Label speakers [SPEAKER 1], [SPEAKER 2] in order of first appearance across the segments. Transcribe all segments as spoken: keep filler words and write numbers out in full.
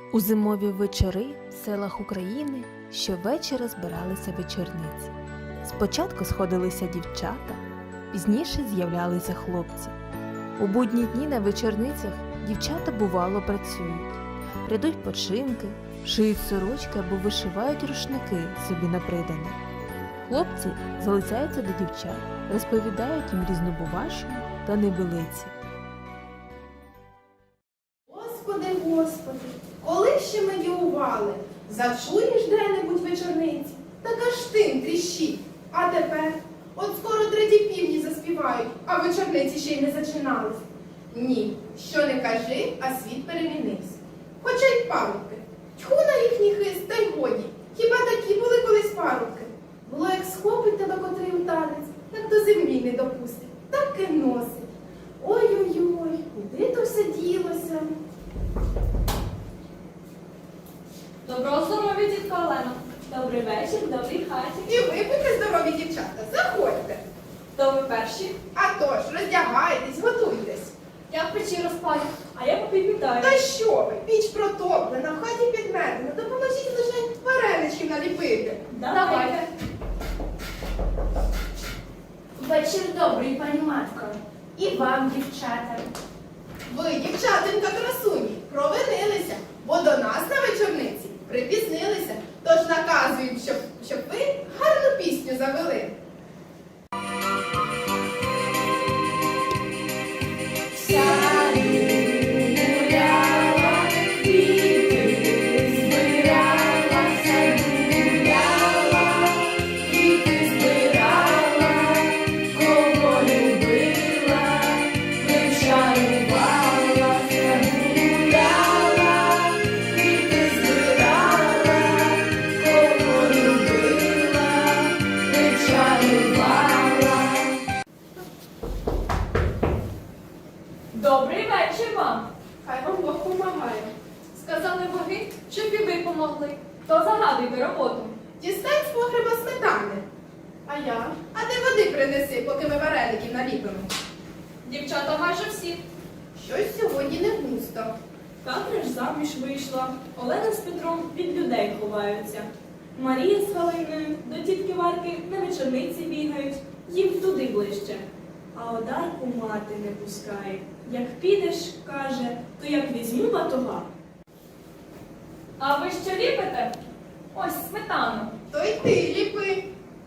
[SPEAKER 1] У зимові вечори в селах України щовечора збиралися вечорниці. Спочатку сходилися дівчата, пізніше з'являлися хлопці. У будні дні на вечорницях дівчата бувало працюють. Прядуть починки, шиють сорочки або вишивають рушники собі на придане. Хлопці залицяються до дівчат, розповідають їм різнобувашину та небилиці.
[SPEAKER 2] Господи, Господи, коли ще ми діували, зачуєш де-небудь вечорниці, так аж тим тріщить. А тепер, от скоро треті півні заспівають, а вечорниці ще й не зачинались. Ні, що не кажи, а світ перемінився. Хоча й парубки. Тьху на їхній хист, та й годі. Хіба такі були колись парубки? Було, як схопить тебе котрий у танець, так до землі не допустить, так і носить. Ой-ой-ой, куди то все ділося?
[SPEAKER 3] Доброго здоров'я, тітка Олено. Добрий вечір, в добрій хаті.
[SPEAKER 2] І ви будьте здорові, дівчата, заходьте.
[SPEAKER 3] То ви перші?
[SPEAKER 2] А то ж, роздягайтесь, готуйтесь.
[SPEAKER 3] Я в печі розпалю, а я попідмітаю.
[SPEAKER 2] Та що ви, піч протоплена, в хаті підметена, допоможіть лише вареничків наліпити.
[SPEAKER 3] Давайте.
[SPEAKER 4] Вечір добрий, пані матко. І вам, дівчата.
[SPEAKER 2] Ви, дівчатинка красуні, провинилися, бо до нас на вечорниці припізнилися, тож наказують, щоб, щоб ви гарну пісню завели.
[SPEAKER 3] Добрий вечір вам.
[SPEAKER 2] Хай вам Бог помагає.
[SPEAKER 3] Сказали боги, щоб і ви помогли. То загадуйте роботу.
[SPEAKER 2] Дістань з погреба сметани. А я? А ти води принеси, поки ми вареників наліпимо.
[SPEAKER 3] Дівчата майже всі.
[SPEAKER 2] Щось сьогодні не густо.
[SPEAKER 3] Катря ж заміж вийшла. Олена з Петром від людей ховаються. Марія з Галиною до тітки Варки на вечорниці бігають. Їм туди ближче. А Одарку мати не пускає. Як підеш, каже, то як візьму батога. А ви що ліпите? Ось сметану.
[SPEAKER 2] То й ти ліпи.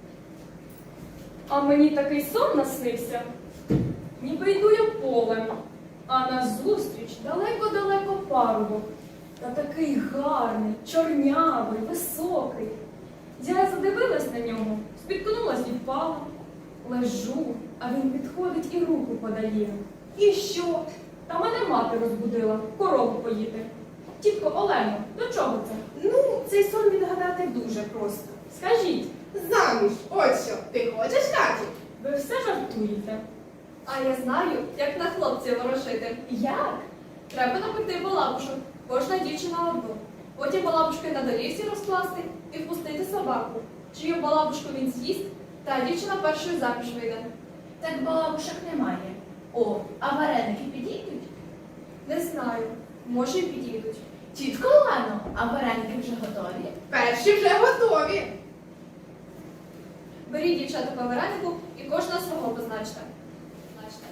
[SPEAKER 3] А мені такий сон наснився. Ніби йду я полем, а назустріч далеко-далеко парубок. Та такий гарний, чорнявий, високий. Я задивилась на нього, спіткнулась і впала. Лежу, а він підходить і руку подає. І що? Та мене мати розбудила, корову поїти. Тітко Олено, до чого це?
[SPEAKER 2] Ну, цей сон відгадати дуже просто.
[SPEAKER 3] Скажіть,
[SPEAKER 2] Заміж, ось що, ти хочеш, Каті?
[SPEAKER 3] ви все жартуєте? А я знаю, як на хлопців ворожити. Як? Треба напекти балабушок. Кожна дівчина одну. Потім балабушки на доріжці розкласти і впустити собаку. Чию балабушку він з'їсть, та дівчина першою заміж вийде.
[SPEAKER 4] Так балабушок немає. О, а вареники підійдуть?
[SPEAKER 3] Не знаю. Може й підійдуть.
[SPEAKER 4] Тітко Олено, а вареники вже готові?
[SPEAKER 2] Перші вже готові.
[SPEAKER 3] Беріть, дівчата, по варенику і кожна свого позначте. Позначте.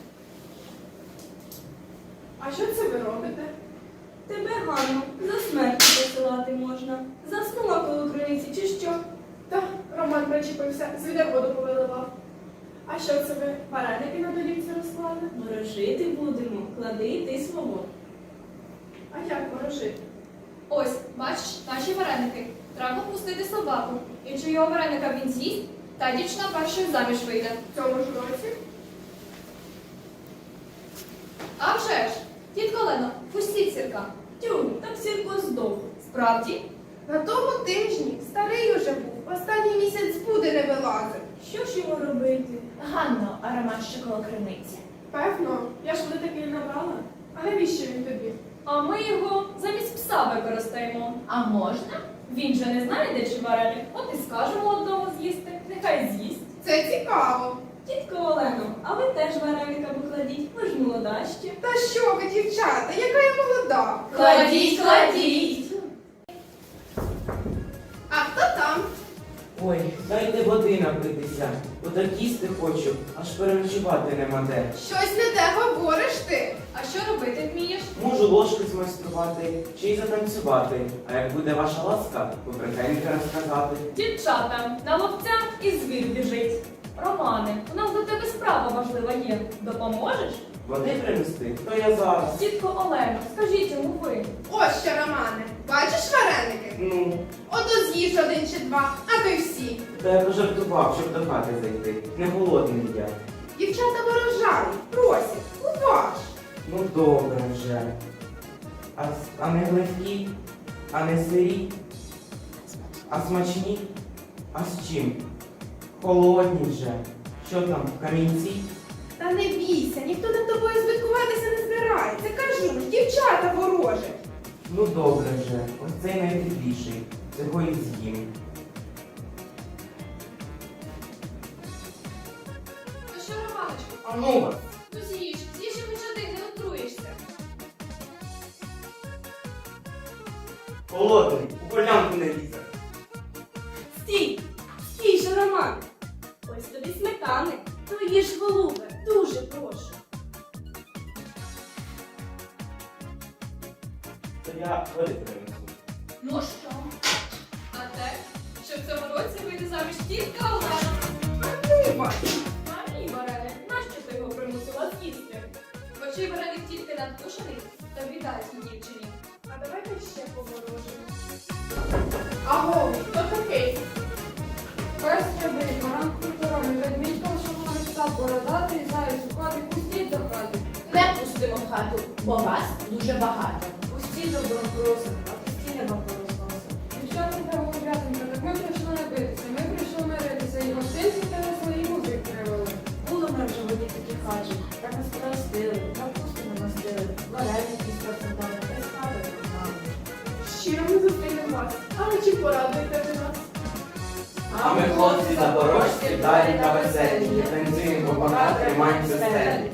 [SPEAKER 2] А що це ви робите?
[SPEAKER 3] Тебе, Ганно, за смертю посилати можна. Заснула коло криниці чи що?
[SPEAKER 2] Та Роман причепився, звідер воду повиливав. А що це ви, вареники на долівці розклали?
[SPEAKER 3] Ворожити будемо, клади й ти свого.
[SPEAKER 2] А як ворожити?
[SPEAKER 3] Ось, бачиш, наші вареники. Треба впустити собаку. І чийого вареника він з'їсть, та дівчина першою заміж вийде.
[SPEAKER 2] В цьому ж році?
[SPEAKER 3] А вже ж! Тітко Олено, пустіть сірка. Тю, так сірко здох. Справді?
[SPEAKER 2] На тому тижні старий уже був, останній місяць з буди не вилазив.
[SPEAKER 3] Що ж йому робити?
[SPEAKER 4] Ганно, а Роман ще коло криниці.
[SPEAKER 2] Певно, я ж води такий набрала. А навіщо він тобі?
[SPEAKER 3] А ми його замість пса використаємо.
[SPEAKER 4] А можна?
[SPEAKER 3] Він же не знає, де чи вареник. От і скажемо одного з'їсти. Нехай з'їсть.
[SPEAKER 2] Це цікаво.
[SPEAKER 3] Тітко Олено, а ви теж вареника покладіть, ви ж молода ще.
[SPEAKER 2] Та що ви, дівчата, яка я молода?
[SPEAKER 3] Кладіть, кладіть!
[SPEAKER 5] Дайте води напитися, бо так їсти хочу, аж переночувати нема де.
[SPEAKER 2] Щось не те говориш ти.
[SPEAKER 3] А що робити вмієш?
[SPEAKER 5] Можу ложки змайструвати чи й затанцювати, а як буде ваша ласка, побрехеньки розказати.
[SPEAKER 3] Дівчата, на ловця і звір біжить. Романе, у нас до тебе справа важлива є. Допоможеш?
[SPEAKER 5] Води принести, то я зараз.
[SPEAKER 3] Тітко Олено, скажіть йому ви.
[SPEAKER 2] Ось що, Романе, бачиш вареники?
[SPEAKER 5] Ну,
[SPEAKER 2] Ото з'їж один чи два, а то й всі.
[SPEAKER 5] та я пожартував, щоб до хати зайти. Не голодний я.
[SPEAKER 2] Дівчата ворожають, просять, уваж.
[SPEAKER 5] Ну добре вже. А, с- а не легкі, а не сирі, а смачні, а з чим? Холодні вже. Що там, камінці?
[SPEAKER 2] Та не бійся, ніхто над тобою збиткуватися не збирається. Кажу ж, дівчата ворожать.
[SPEAKER 5] Ну добре вже, ось цей найтепліший. Цього і з'їм.
[SPEAKER 3] Ну що, Романочку,
[SPEAKER 5] А ну вас!
[SPEAKER 3] ну з'їж, з'їж і хоч один, не отруєшся.
[SPEAKER 5] Холодний, у колянку не лізе.
[SPEAKER 4] Стій! Стій же, Роман! Ось тобі сметани. Твої ж голубе, дуже прошу.
[SPEAKER 5] То я води принесу.
[SPEAKER 4] Ну що?
[SPEAKER 3] А те, що в цьому році вийде заміж тітка Олена.
[SPEAKER 2] Вибач.
[SPEAKER 3] А мій вареник, нащо ти його примусила з'їсти? Бо чий вареник тільки надкушений, то віддай цій дівчині. А давайте ще поворожимо.
[SPEAKER 2] Аго, хто такий?
[SPEAKER 6] Пес стрибить, баран культуровий, ведмідь шумовий став бородатий, заяць у хаті, пустіть до хати.
[SPEAKER 4] Не пустимо в хату, бо вас дуже багато.
[SPEAKER 6] Пустіть добром просимо, а пусті не вам порозносимо. Дівчатка голубятенька, так ми прийшли не битися, ми прийшли миритися, і гостинці тебе свої музик привели. Були ми вже в одній такій хаті, так нас простили, капусту не мастили, вареники спрацювали, та й спали знали.
[SPEAKER 2] Щиро ми зустрінемо вас. А ви чи порадуєте ви нас?
[SPEAKER 5] А ми, хлопці запорожці, далі та веселі, танцюємо пока, тримаємося стелі.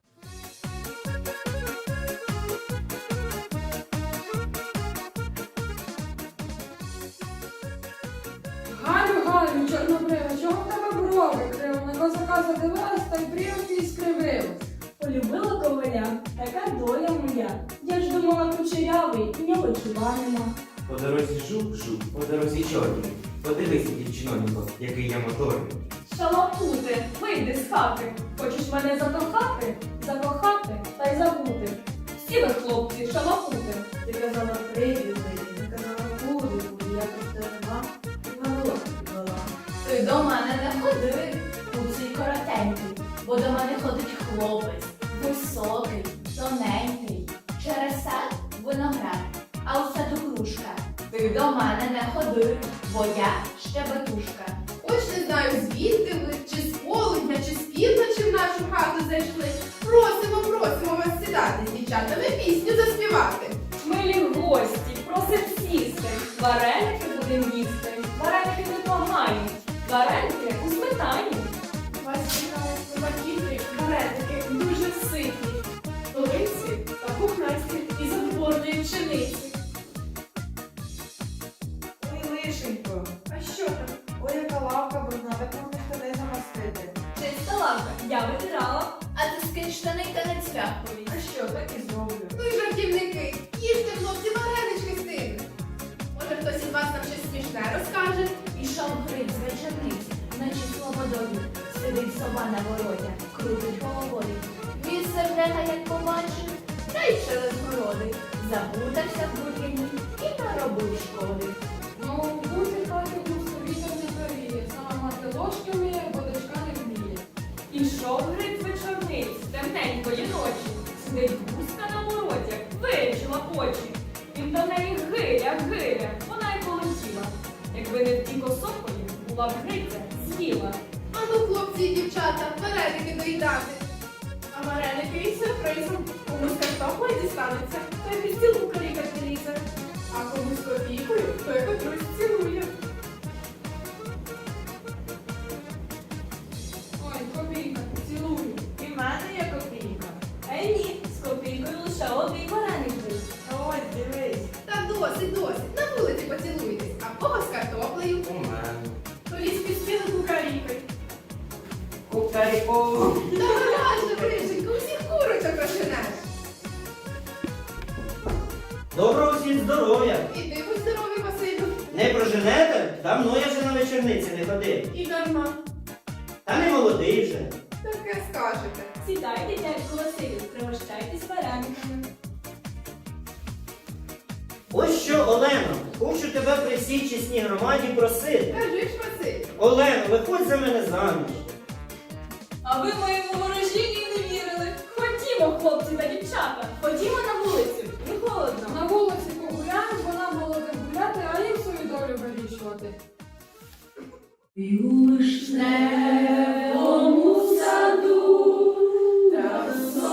[SPEAKER 6] Галю, Галю, чорнобрива, чого в тебе брови криво? На козака задивилась, та й брівки і скривилась.
[SPEAKER 4] Полюбила коваля, така доля моя. Я ж думала кучерявий, в нього чува нема.
[SPEAKER 5] По дорозі жук-жук, по дорозі чорний. Подивися, дівчинонько, який я моторний.
[SPEAKER 3] Шалапути, вийди з хати. Хочеш мене закохати? Закохати та й забути. Всі ви, хлопці, шалапути.
[SPEAKER 6] Ти казала прийди, ти казала буду, буду, я тут нема, і на волос підвела.
[SPEAKER 4] Ти до мене не ходи, куций коротенький, бо до мене ходить хлопець, високий, тоненький, через сад виноград, а у саду грушка. Ти до мене не ходи, бо я щебетушка.
[SPEAKER 2] Ось не знаю, звідки ви, чи з полудня, чи з півночі в нашу хату зайшли. Просимо, просимо вас сідати з дівчатами пісню заспівати.
[SPEAKER 3] Милі гості, просим сісти. Вареники будем їсти. Вареники непогані. Вареники у сметані.
[SPEAKER 2] Вас чекають собакіти, вареники дуже ситні. Столиці та пухнасті із отборної пшениці.
[SPEAKER 6] Ой, лишенько,
[SPEAKER 2] А що там?
[SPEAKER 6] ой, яка лавка брудна, так можна штани замастити.
[SPEAKER 3] Чиста лавка, я витирала.
[SPEAKER 4] А ти скинь штани та не цвяхові.
[SPEAKER 6] А що, так і зроблю.
[SPEAKER 2] Ну і жартівники, їжте, хлопці, варенички з тим. Може, хтось із вас нам щось смішне розкаже?
[SPEAKER 4] Пішов гриць з вечорниці, наче слободою. Сидить сова на вороті, крутить головою. Він сердека, як побачив, та й через городи. Заплутався в бур'яні і наробив шкоди.
[SPEAKER 6] Ну, бути хаті густо вітер не повіє, сама мати ложки вміє, бо дочка не вміє.
[SPEAKER 3] Ішов гриць вечорниць, темненької ночі. Сидить гуска на вороті, вирічила очі. Він до неї гиля, гиля, вона й полетіла. Якби не втік осокою, була б гриця з'їла.
[SPEAKER 2] А ну, хлопці і дівчата, вареники доїдати. А вареники із сюрпризом. Комусь картоплею дістанеться, то й під стілку калікати лізе. А комусь копійкою, то й котрусь цілує.
[SPEAKER 6] Ой, копійка, цілую.
[SPEAKER 4] І в мене є копійка. Е ні, з копійкою лише один вареник був.
[SPEAKER 6] Ось, дивись.
[SPEAKER 2] Та досить, досить, на вулиці поцілуйтесь, а в кого з картоплею,
[SPEAKER 5] У мене.
[SPEAKER 2] то лізь під
[SPEAKER 5] О,
[SPEAKER 2] Давай же, Бриженько, усіх курочок розженеш.
[SPEAKER 7] Доброго всім здоров'я!
[SPEAKER 2] І ти будь здоровий, Василю.
[SPEAKER 7] Не проженете? Давно я вже на вечорниці не ходив.
[SPEAKER 2] І дарма.
[SPEAKER 7] Та не молодий вже.
[SPEAKER 2] Таке скажете.
[SPEAKER 3] Сідайте, дядьку Василю, пригощайтесь варениками.
[SPEAKER 7] Ось що, Олено, хочу тебе при всій чесній громаді просити.
[SPEAKER 2] Кажи ж, Василь.
[SPEAKER 7] Олено, виходь за мене заміж.
[SPEAKER 3] А ви моєму ворожінню не вірили. Ходімо, хлопці та дівчата, ходімо на вулицю, не холодно.
[SPEAKER 6] На вулиці погуляємо, бо нам молодим гуляти, а їм свою долю вирішувати.
[SPEAKER 4] Вишневому саду та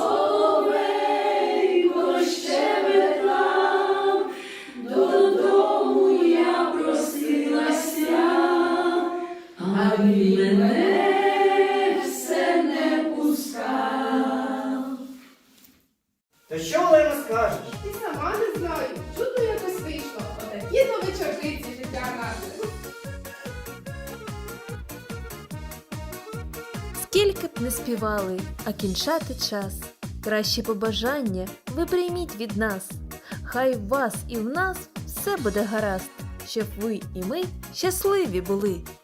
[SPEAKER 4] соловейко щебетав, додому я просилася, а він мене все не пускав.
[SPEAKER 7] То що, Олено, скажеш?
[SPEAKER 2] І сама не знаю. Чудно якось вийшло. Отакі то вечорниці життя наше.
[SPEAKER 1] Скільки б не співали, а кінчати час. Кращі побажання ви прийміть від нас. Хай в вас і в нас все буде гаразд, щоб ви і ми щасливі були.